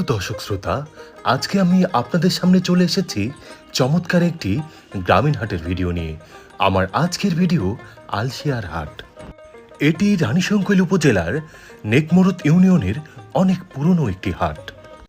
দর্শক শ্রোতা, আজকে আমি আপনাদের সামনে চলে এসেছি চমৎকার একটি গ্রামীণ হাটের ভিডিও নিয়ে। আমার আজকের ভিডিও আলশিয়ার হাট। এটি রানীশংকৈল উপজেলার নেকমরুদ ইউনিয়নের অনেক পুরনো একটি হাট।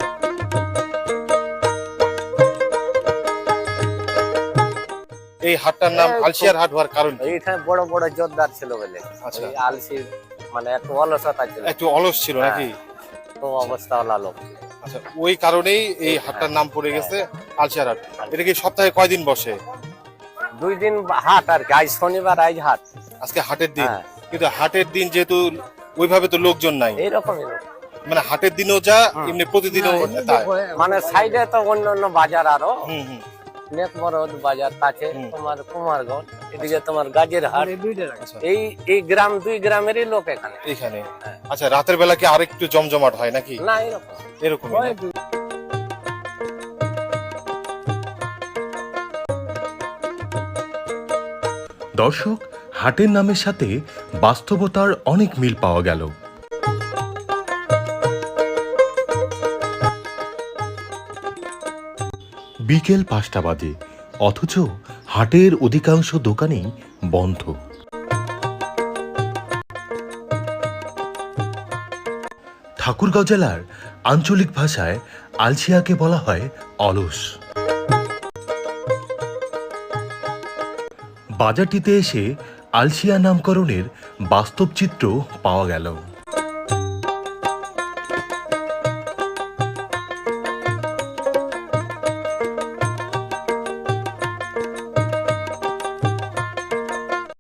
এই হাটটার নাম আলশিয়ার হাট হওয়ার কারণ কি? এইখানে বড় বড় জোরদার ছিল বলে আচ্ছা। ওই আলসির মানে একটু অলসতা ছিল, একটু অলস ছিল নাকি? তো অবস্থা হলো লোক। আচ্ছা, ওই কারণেই এই হাটটার নাম পড়ে গেছে আলশিয়ার হাট। এটা কি সপ্তাহে কয়দিন বসে? 2 দিন হাট আর কি, আজ শনিবার আজ হাট। আজকে হাটের দিন, হ্যাঁ। কিন্তু হাটের দিন যেহেতু ওইভাবে তো লোকজন নাই, এইরকমই মানে হাটের দিনও যা এমনি প্রতিদিনও তাই। মানে সাইডে তো অন্য অন্য বাজার আরো, হুম হুম। নেকমরদ বাজার কাছে তোমার কুমারগঞ্জ, এদিকে তোমার গাজীর হাট। আচ্ছা, এই গ্রাম 2 গ্রামেরই লোক এখানে। এখানে। আচ্ছা, রাতের বেলা কি আরেকটু জমজমাট হয় নাকি? না এরকম এরকমই না? দর্শক, হাটের নামের সাথে বাস্তবতার অনেক মিল পাওয়া গেল। বিকেল 5টা বাজে, অথচ হাটের অধিকাংশ দোকানেই বন্ধ। ঠাকুরগাঁও জেলার আঞ্চলিক ভাষায় আলশিয়াকে বলা হয় অলস। বাজারটিতে এসে আলশিয়া নামকরণের বাস্তব চিত্র পাওয়া গেল।